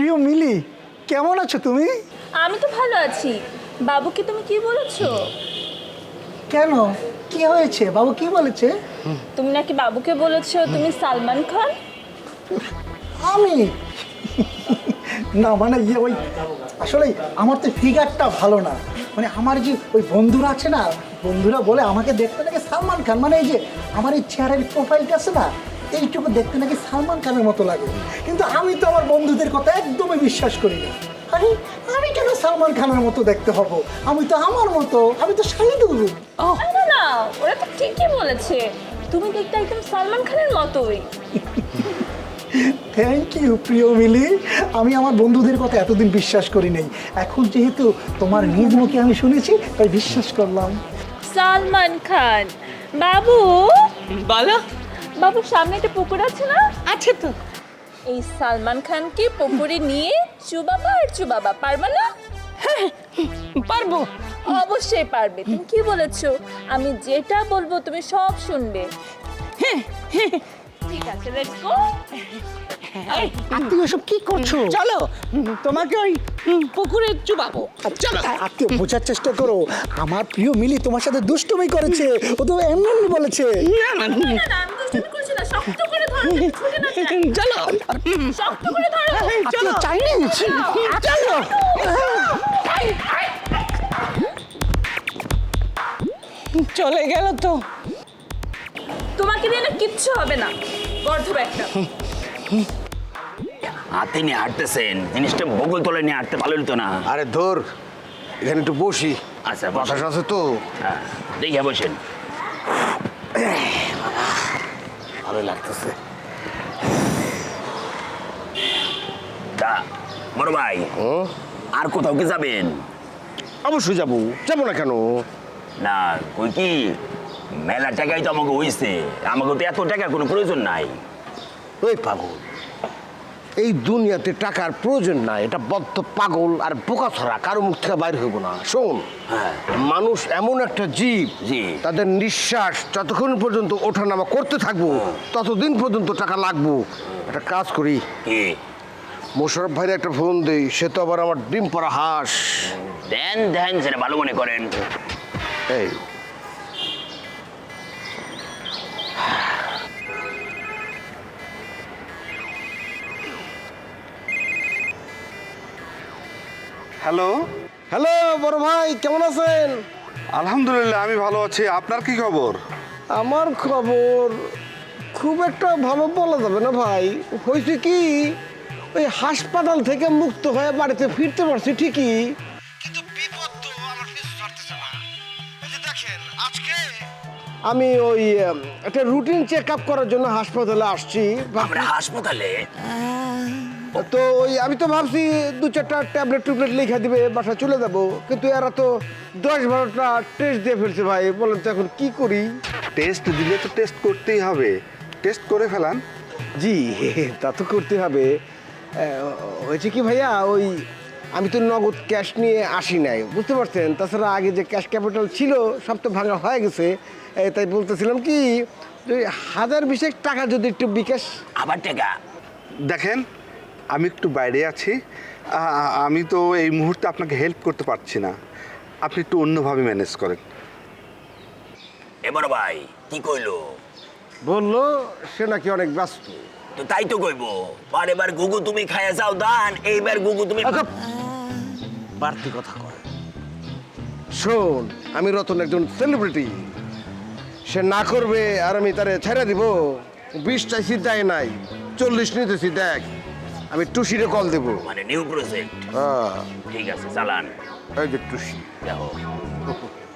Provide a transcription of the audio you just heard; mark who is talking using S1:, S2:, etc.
S1: প্রিয় মিলি, কেমন আছো তুমি?
S2: আমি তো ভালো আছি। বাবুকে তুমি কি বলেছো?
S1: কেন, কি হয়েছে? বাবু কি বলেছে?
S2: তুমি নাকি বাবুকে বলেছো তুমি সালমান খান।
S1: আমি না মানে ওই আসলে আমার তো ফিগারটা ভালো না, মানে আমার যে ওই বন্ধুরা আছে না, বন্ধুরা বলে আমাকে দেখতে নাকি সালমান খান, মানে এই যে আমার এই চেহারার প্রোফাইলটা আছে না, এইটুকু দেখতে নাকি সালমান খানের মতো লাগে। কিন্তু আমি তো আমার বন্ধুদের কথা একদমই বিশ্বাস করি না। আরে আমি কেন সালমান খানের মতো দেখতে হব? আমি তো আমার মতো, আমি তো শাহিদুল।
S2: না না, ওরা তো ঠিকই বলেছে, তুমি দেখতে একদম সালমান খানের মতোই।
S1: থ্যাংক ইউ প্রিয় মিলি। আমি আমার বন্ধুদের কথা এতদিন বিশ্বাস করি নাই, এখন যেহেতু তোমার নিজ মুখে আমি শুনেছি তাই বিশ্বাস করলাম।
S2: সালমান খান বাবু,
S3: বলো।
S2: বাবুর সামনে একটা পুকুর আছে না?
S3: আছে তো।
S2: এই সালমান খানকে পুকুরে নিয়ে চুবাবা আর চুবাবা, পারবে না?
S3: পারবো।
S2: অবশ্যই পারবে। তুমি কি বলেছো? আমি যেটা বলবো তুমি সব শুনবে। ঠিক আছে, লেটস গো।
S1: আত্মীয় সব কি করছো?
S3: চলো, তোমাকে ওই পুকুরে চুবাবো। চলো।
S1: আত্মীয় বোঝার চেষ্টা করো, আমার প্রিয় মিলি তোমার সাথে দুষ্টুমি করেছে, ও তো এমনি এমনি বলেছে।
S3: না না,
S2: না না, আমি দুষ্টুমি করছি না, শক্ত করে ধরো, ছুটে না যায়।
S3: চলো
S2: শক্ত করে ধরো।
S3: চলো
S1: চাইনিজ।
S3: চলো। চলে গেল তো।
S2: তোমাকে দিয়ে না কিচ্ছু হবে না, গর্ধব একটা।
S4: হাতে নিয়ে হাঁটতেছেন, জিনিসটা বগল তলে নিয়ে হাঁটতে ভালো হতো না।
S5: আরে ধর, এখানে একটু বসি।
S4: আচ্ছা, বসেন।
S5: বাতাস আছে তো।
S4: হ্যাঁ, দেখে বসেন।
S5: ভালো লাগতেছে।
S4: তা বড় ভাই, আর কোথাও কি যাবেন?
S5: অবশ্যই যাবো, যাবো না কেন?
S4: না, কই কি মেলা টাকাই তো আমাকে হইছে, আমাকে তো এত টাকার কোনো প্রয়োজন নাই।
S5: ওই পাগল, এই দুনিয়াতে টাকার প্রয়োজন নাই, এটা বদ্ধ পাগল আর বোকা ছড়া, কারো মুখ থেকে বাইরে হইব না। শোন,
S4: হ্যাঁ।
S5: মানুষ এমন একটা জীব,
S4: জি।
S5: তাদের নিঃশ্বাস যতক্ষণ পর্যন্ত ওঠানামা করতে থাকবো ততদিন পর্যন্ত টাকা লাগবো। একটা কাজ করি,
S4: কি?
S5: মোশারফ ভাইয়ের একটা ফোন দেই, সে তো আবার আমার ডিম পড়া হাঁস।
S4: দেন দেন, সেটা ভালো মনে করেন।
S5: এই
S6: হ্যালো,
S5: হ্যালো বড় ভাই, কেমন আছেন?
S6: আলহামদুলিল্লাহ আমি ভালো আছি। আপনার কি খবর?
S5: আমার খবর খুব একটা ভালো বলা যাবে না ভাই। হয়েছে কি, ওই হাসপাতাল থেকে মুক্ত হয়ে বাড়িতে ফিরতে পারছি ঠিকই, কিন্তু বিপদ তো আমার পিছু ছাড়তেছে না। এই যে দেখেন, আজকে আমি ওই একটা রুটিন চেক আপ করার জন্য হাসপাতালে আসছি।
S4: আমরা হাসপাতালে?
S5: তো ওই আমি তো ভাবছি 2-4টা ট্যাবলেট টুবলেট লিখে দিবে, বাসা চলে যাব, কিন্তু এরা তো 10-12টা টেস্ট দিয়ে ফেলছে ভাই। বলেন তো এখন কি করি?
S6: টেস্ট দিলে তো টেস্ট করতেই হবে, টেস্ট করে ফেলান।
S5: জি, তা তো করতে হবে। হয়েছে কি ভাইয়া, ওই আমি তো নগদ ক্যাশ নিয়ে আসি নাই, বুঝতে পারছেন। তাছাড়া আগে যে ক্যাশ ক্যাপিটাল ছিল সব তো ভাঙা হয়ে গেছে। তাই বলতেছিলাম কি, যে 1020 টাকা যদি একটু বিকাশ।
S4: আবার টাকা?
S6: দেখেন, আমি একটু বাইরে আছি, আমি তো এই মুহূর্তে আপনাকে হেল্প করতে পারছি না। আপনি একটু অন্যভাবে ম্যানেজ করেন।
S4: এ বড় ভাই কি কইলো?
S5: বললো সে নাকি অনেক ব্যস্ত।
S4: তো তাই তো কইবো, বারেবার গুগু তুমি খাইয়া যাও দান, এইবার গুগু তুমি।
S5: আচ্ছা, বাড়তি কথা কয়। শোন, আমি রতন একজন সেলিব্রিটি, সে না করবে আর আমি তারে ছেড়ে দিব? 20 চাইছি, দেয় নাই, 40 নিতেছি। দেখ, আমি টুসিরে কল দেবো।
S4: মানে নিউ প্রজেক্ট?
S5: হ্যাঁ,
S4: ঠিক আছে, চালান।
S5: এই যে টুসি।
S4: দেখো